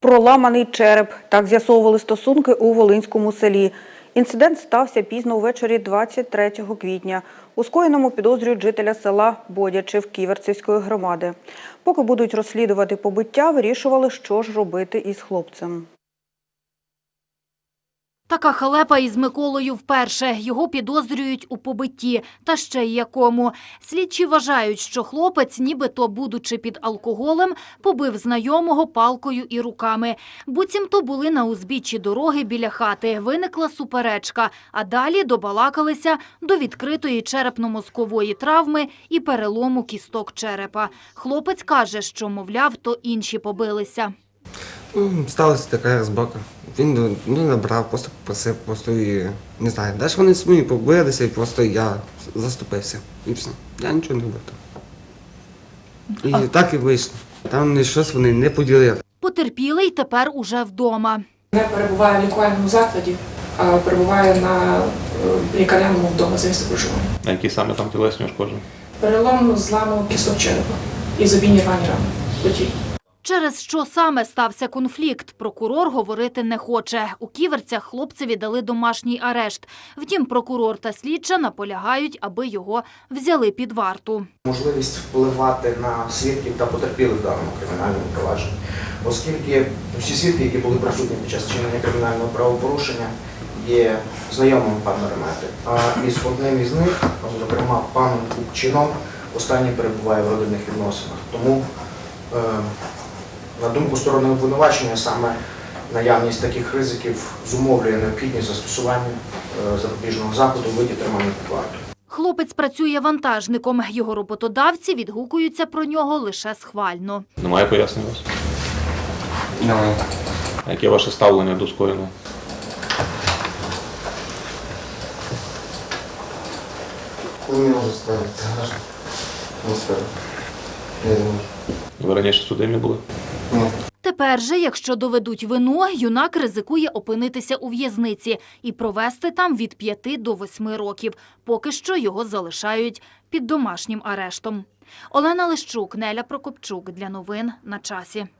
Проламаний череп. Так з'ясовували стосунки у Волинському селі. Інцидент стався пізно ввечері 23 квітня. У скоєному підозрюють жителя села Бодячів Ківерцівської громади. Поки будуть розслідувати побиття, вирішували, що ж робити із хлопцем. Така халепа із Миколою вперше. Його підозрюють у побитті. Та ще й якому. Слідчі вважають, що хлопець, нібито будучи під алкоголем, побив знайомого палкою і руками. Буцімто були на узбіччі дороги біля хати. Виникла суперечка, а далі добалакалися до відкритої черепно-мозкової травми і перелому кісток черепа. Хлопець каже, що, мовляв, то інші побилися. Сталася така розборка. Він набрав, просто попросив, і не знаю. Далі вони самі побилися, і просто я заступився. І все. Я нічого не робив. І так і вийшло. Там щось вони не поділили. Потерпілий тепер уже вдома. Не перебуває в лікувальному закладі, а перебуває на лікарняному вдома за місцем проживання. А які саме там тілесні ушкодження? Перелом зламу кісток черепа і забійні рвані рани. Плечі. Через що саме стався конфлікт, прокурор говорити не хоче. У Ківерцях хлопцеві дали домашній арешт. Втім, прокурор та слідча наполягають, аби його взяли під варту. Можливість впливати на свідків та потерпілих в даному кримінальному провадженні, оскільки всі свідки, які були присутні під час вчинення кримінального правопорушення, є знайомими пана Ремети. А із одним із них, зокрема паном Купчином, останній перебуває в родинних відносинах. Тому, на думку сторони обвинувачення, саме наявність таких ризиків зумовлює необхідність застосування запобіжного заходу у виді тримання під вартою. Хлопець працює вантажником. Його роботодавці відгукуються про нього лише схвально. Немає пояснень у вас? Немає. А яке ваше ставлення до скоєного? Не можу сказати. Не скажу. Не думаю. Ви раніше судимі були? Ні. Тепер же, якщо доведуть вину, юнак ризикує опинитися у в'язниці і провести там від 5 до 8 років. Поки що його залишають під домашнім арештом. Олена Лищук, Неля Прокопчук. Для новин на часі.